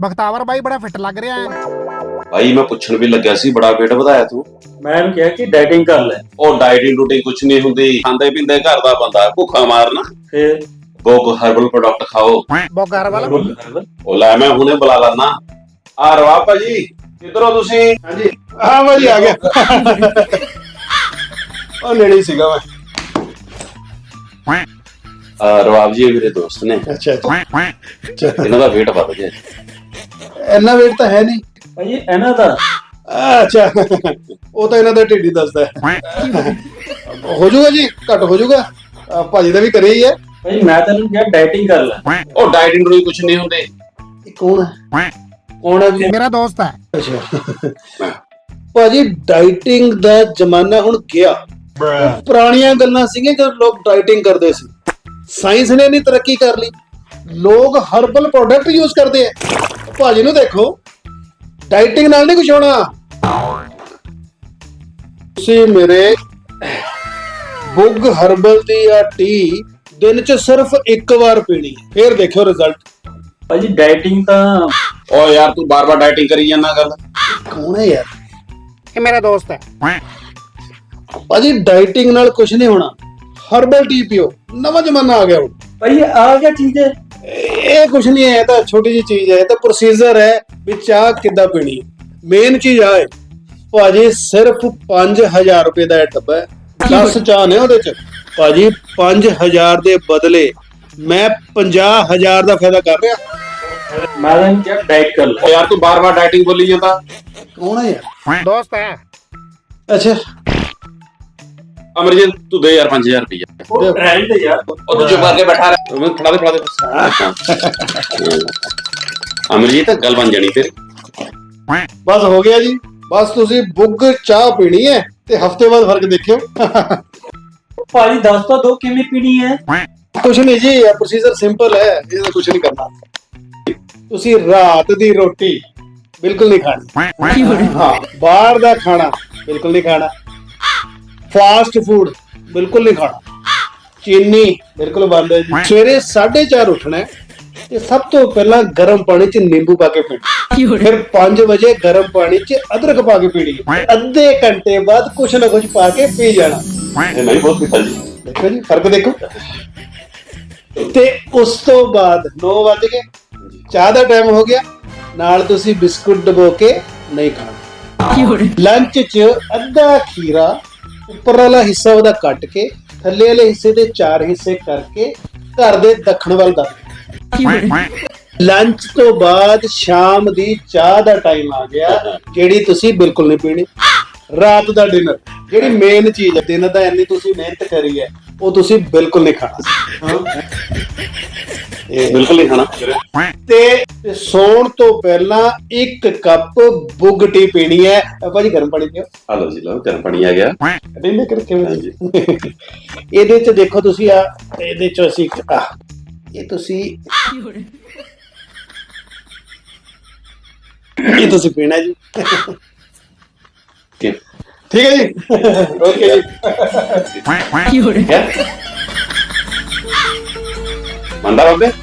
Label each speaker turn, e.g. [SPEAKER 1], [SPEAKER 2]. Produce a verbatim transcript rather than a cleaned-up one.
[SPEAKER 1] ਬਖਤਾਵਰ ਬਾਈ ਬੜਾ ਫਿੱਟ ਲੱਗ ਰਿਹਾ ਹੈ।
[SPEAKER 2] ਭਾਈ ਮੈਂ ਪੁੱਛਣ ਵੀ ਲੱਗਿਆ ਸੀ, ਬੜਾ weight ਵਧਾਇਆ ਤੂੰ।
[SPEAKER 3] ਮੈਂ ਇਹਨੂੰ ਕਿਹਾ ਕਿ ਡਾਈਟਿੰਗ ਕਰ ਲੈ।
[SPEAKER 2] ਉਹ ਡਾਈਟਿੰਗ ਡੂਟਿੰਗ ਕੁਛ ਨਹੀਂ ਹੁੰਦੀ, ਖਾਂਦੇ ਪੀਂਦੇ ਘਰ ਦਾ ਬੰਦਾ, ਭੁੱਖਾ ਮਾਰਨਾ।
[SPEAKER 3] ਫਿਰ
[SPEAKER 2] ਬੋਗ ਹਰਬਲ ਪ੍ਰੋਡਕਟ ਖਾਓ।
[SPEAKER 1] ਬੋਗਰ ਵਾਲਾ
[SPEAKER 2] ਉਹ ਲੈ ਮੈਂ ਹੁਣੇ ਬੁਲਾ ਲੈਣਾ। ਆ ਰਵਾ ਭਾਜੀ, ਕਿੱਧਰੋਂ ਤੁਸੀਂ?
[SPEAKER 4] ਹਾਂਜੀ ਹਾਂ ਭਾਜੀ ਆ ਗਿਆ। ਉਹ ਨੇੜੇ ਹੀ ਸੀਗਾ ਮੈਂ।
[SPEAKER 2] ਆ ਰਵਾਬ ਜੀ ਇਹ ਮੇਰੇ ਦੋਸਤ ਨੇ,
[SPEAKER 4] ਅੱਛਾ ਅੱਛਾ
[SPEAKER 2] ਇਹਨਾਂ ਦਾ weight ਵੱਧ ਗਿਆ।
[SPEAKER 4] ਇੰਨਾ weight ਤਾਂ ਹੈ ਨਹੀਂ
[SPEAKER 3] ਭਾਈ ਇਹਨਾਂ ਦਾ।
[SPEAKER 4] ਅੱਛਾ ਉਹ ਤਾਂ ਇਹਨਾਂ ਦਾ ਢਿੱਡ ਹੀ ਦੱਸਦਾ ਹੈ। ਹੋ ਜਾਊਗਾ ਜੀ, ਘੱਟ ਹੋ ਜਾਊਗਾ। ਅਹ ਭਾਜੀ ਦਾ ਵੀ ਕਰੇ ਹੀ ਹੈ।
[SPEAKER 3] ਭਾਈ ਮੈਂ ਤੈਨੂੰ ਕਿਹਾ ਡਾਈਟਿੰਗ ਕਰ ਲੈ।
[SPEAKER 2] ਉਹ ਡਾਈਟਿੰਗ ਡੂਟਿੰਗ ਕੁਛ ਨਹੀਂ ਹੁੰਦੀ।
[SPEAKER 4] ਇਹ ਕੌਣ ਹੈ? ਕੌਣ ਹੈ ਜੀ?
[SPEAKER 1] ਮੇਰਾ ਦੋਸਤ ਹੈ।
[SPEAKER 4] ਅੱਛਾ ਭਾਜੀ ਡਾਈਟਿੰਗ ਦਾ ਜ਼ਮਾਨਾ ਹੁਣ ਗਿਆ। ਪੁਰਾਣੀਆਂ ਗੱਲਾਂ ਸੀਗੀਆਂ ਜਦੋਂ ਲੋਕ ਡਾਈਟਿੰਗ ਕਰਦੇ ਸੀ। ਸਾਇੰਸ ਨੇ ਨਹੀਂ ਤਰੱਕੀ ਕਰ ਲਈ, ਲੋਕ ਹਰਬਲ ਪ੍ਰੋਡਕਟ ਯੂਜ਼ ਕਰਦੇ ਆ। ਭਾਜੀ ਨੂੰ ਦੇਖੋ, ਡਾਈਟਿੰਗ ਨਾਲ ਨਹੀਂ ਕੁਝ ਹੋਣਾ। ਤੁਸੀਂ ਮੇਰੇ ਬੁੱਗ ਹਰਬਲ ਦੀ ਆ ਟੀ ਦਿਨ ਚ ਸਿਰਫ ਇੱਕ ਵਾਰ ਪੀਣੀ, ਫੇਰ ਦੇਖਿਓ ਰਿਜ਼ਲਟ।
[SPEAKER 3] ਭਾਜੀ ਡਾਈਟਿੰਗ ਤਾਂ
[SPEAKER 2] ਓ ਯਾਰ ਤੂੰ ਬਾਰ-ਬਾਰ ਡਾਈਟਿੰਗ ਕਰੀ ਜਾਂਦਾ। ਗੱਲ
[SPEAKER 4] ਕੌਣ ਹੈ ਯਾਰ?
[SPEAKER 1] ਇਹ ਮੇਰਾ ਦੋਸਤ ਹੈ।
[SPEAKER 4] ਭਾਜੀ ਡਾਈਟਿੰਗ ਨਾਲ ਕੁਝ ਨਹੀਂ ਹੋਣਾ, ਹਰਬਲ ਟੀ ਪੀਓ। ਨਵਾਂ ਜ਼ਮਾਨਾ ਆ ਗਿਆ ਹੁਣ।
[SPEAKER 3] ਭਾਈ ਆ ਗਿਆ ਚੀਜ਼ ਹੈ।
[SPEAKER 4] ਇਹ ਕੁਝ ਨਹੀਂ ਹੈ, ਇਹ ਤਾਂ ਛੋਟੀ ਜਿਹੀ ਚੀਜ਼ ਹੈ। ਇਹ ਤਾਂ ਪ੍ਰੋਸੀਜਰ ਹੈ ਵੀ ਚਾਹ ਕਿੱਦਾਂ ਪੀਣੀ ਹੈ। ਮੇਨ ਚੀਜ਼ ਆ ਹੈ ਭਾਜੀ, ਸਿਰਫ ਪੰਜ ਹਜ਼ਾਰ ਰੁਪਏ ਦਾ ਇਹ ਡੱਬਾ ਹੈ। ਦਸ ਚਾਹ ਨੇ ਉਹਦੇ ਚ। ਭਾਜੀ ਪੰਜ ਹਜ਼ਾਰ ਦੇ ਬਦਲੇ ਮੈਂ ਪੰਜਾਹ ਹਜ਼ਾਰ ਦਾ ਫਾਇਦਾ ਕਰ ਰਿਹਾ।
[SPEAKER 3] ਮੈਂ ਤੈਨੂੰ ਕਿਹਾ ਡਾਈਟ ਕਰ ਲੈ।
[SPEAKER 2] ਓ ਯਾਰ ਤੂੰ ਬਾਰ-ਬਾਰ ਡਾਈਟਿੰਗ ਬੋਲੀ ਜਾਂਦਾ।
[SPEAKER 4] ਕੌਣ ਹੈ ਯਾਰ?
[SPEAKER 1] ਦੋਸਤ ਹੈ।
[SPEAKER 4] ਅੱਛਾ
[SPEAKER 2] ਅਮਰਜੀਤ ਤੂੰ ਦੇ ਯਾਰ ਪੰਜ ਹਜ਼ਾਰ ਰੁਪਏ।
[SPEAKER 3] ਉਹ ਟ੍ਰੈਂਡ ਯਾਰ।
[SPEAKER 2] ਉਹ ਤੂੰ ਚੁੱਪ ਕਰਕੇ ਬੈਠਾ ਰਹਿ। ਮੈਂ ਫੜਾ ਦੇ ਫੜਾ ਦੇ। ਅਮਰਜੀਤ ਗੱਲ ਬਣ ਜਾਣੀ ਤੇਰੀ।
[SPEAKER 4] ਬਸ ਹੋ ਗਿਆ ਜੀ। ਬਸ ਤੁਸੀਂ ਬੁੱਗ ਚਾਹ ਪੀਣੀ ਹੈ ਤੇ ਹਫਤੇ ਬਾਅਦ ਫਰਕ ਦੇਖਿਓ।
[SPEAKER 3] ਭਾਜੀ ਦੱਸ ਤਾਂ ਦੋ ਕਿਵੇਂ ਪੀਣੀ ਹੈ।
[SPEAKER 4] ਕੁਛ ਨਹੀਂ ਜੀ, ਇਹ ਪ੍ਰੋਸੀਜਰ ਸਿੰਪਲ ਹੈ। ਇਹਦਾ ਕੁਛ ਨਹੀਂ ਕਰਨਾ। ਤੁਸੀਂ ਰਾਤ ਦੀ ਰੋਟੀ ਬਿਲਕੁਲ ਨਹੀਂ ਖਾਣੀ। ਹਾਂ, ਬਾਹਰ ਦਾ ਖਾਣਾ ਬਿਲਕੁਲ ਨਹੀਂ ਖਾਣਾ। ਫਾਸਟ ਫੂਡ ਬਿਲਕੁਲ ਨਹੀਂ ਖਾਣਾ। ਚੀਨੀ ਬਿਲਕੁਲ ਬੰਦ ਹੈ ਜੀ। ਸਵੇਰੇ ਸਾਢੇ ਚਾਰ ਉੱਠਣਾ ਹੈ ਤੇ ਸਭ ਤੋਂ ਪਹਿਲਾਂ ਗਰਮ ਪਾਣੀ 'ਚ ਨਿੰਬੂ ਪਾ ਕੇ ਪੀਣਾ। ਫਿਰ ਪੰਜ ਵਜੇ ਗਰਮ ਪਾਣੀ 'ਚ ਅਦਰਕ ਪਾ ਕੇ ਪੀਣੀ। ਅੱਧੇ ਘੰਟੇ ਬਾਅਦ ਕੁਛ ਨਾ ਕੁਛ ਪਾ ਕੇ ਪੀ ਜਾਣਾ।
[SPEAKER 2] ਇਹ ਨਹੀਂ ਬਹੁਤ ਪੀਤਾ ਜੀ।
[SPEAKER 4] ਦੇਖੋ ਜੀ ਫਰਕ ਦੇਖੋ। ਤੇ ਉਸ ਤੋਂ ਬਾਅਦ ਨੌ ਵੱਜ ਗਏ, ਚਾਹ ਦਾ ਟਾਈਮ ਹੋ ਗਿਆ। ਨਾਲ ਤੁਸੀਂ ਬਿਸਕੁਟ ਡਬੋ ਕੇ ਨਹੀਂ ਖਾਣਾ। ਲੰਚ 'ਚ ਅੱਧਾ ਖੀਰਾ, ਉੱਪਰ ਵਾਲਾ ਹਿੱਸਾ ਉਹਦਾ ਕੱਟ ਕੇ ਥੱਲੇ ਵਾਲੇ ਹਿੱਸੇ ਦੇ ਚਾਰ ਹਿੱਸੇ ਕਰਕੇ ਘਰ ਦੇ ਦੱਖਣ ਵੱਲ ਦੱਬ। ਲੰਚ ਤੋਂ ਬਾਅਦ ਸ਼ਾਮ ਦੀ ਚਾਹ ਦਾ ਟਾਈਮ ਆ ਗਿਆ, ਜਿਹੜੀ ਤੁਸੀਂ ਬਿਲਕੁਲ ਨਹੀਂ ਪੀਣੀ। ਰਾਤ ਦਾ ਡਿਨਰ, ਜਿਹੜੀ ਮੇਨ ਚੀਜ਼ ਹੈ, ਦਿਨ ਦਾ ਇੰਨੀ ਤੁਸੀਂ ਮਿਹਨਤ ਕਰੀ ਹੈ, ਉਹ ਤੁਸੀਂ ਬਿਲਕੁਲ ਨਹੀਂ ਖਾਣਾ।
[SPEAKER 2] ਬਿਲਕੁਲ ਨਹੀਂ ਖਾਣਾ।
[SPEAKER 4] ਤੇ ਸੌਣ ਤੋਂ ਪਹਿਲਾਂ ਇੱਕ ਕੱਪ ਬੁੱਗ ਟੀ ਪੀਣੀ ਹੈ। ਭਾਜੀ ਗਰਮ ਪਾਣੀ ਪੀਓ।
[SPEAKER 2] ਆ ਲਓ ਜੀ, ਲਓ ਗਰਮ ਪਾਣੀ ਆ ਗਿਆ।
[SPEAKER 4] ਡਿਨਰ ਕਰਕੇ ਇਹਦੇ ਚ ਦੇਖੋ ਤੁਸੀਂ ਆ, ਇਹਦੇ ਚ ਅਸੀਂ ਆ ਇਹ ਤੁਸੀਂ ਇਹ ਤੁਸੀਂ ਪੀਣਾ ਜੀ। ਠੀਕ ਹੈ ਜੀ, ਓਕੇ ਜੀ।
[SPEAKER 2] ਮੰਦਾ ਬਾਬੇ।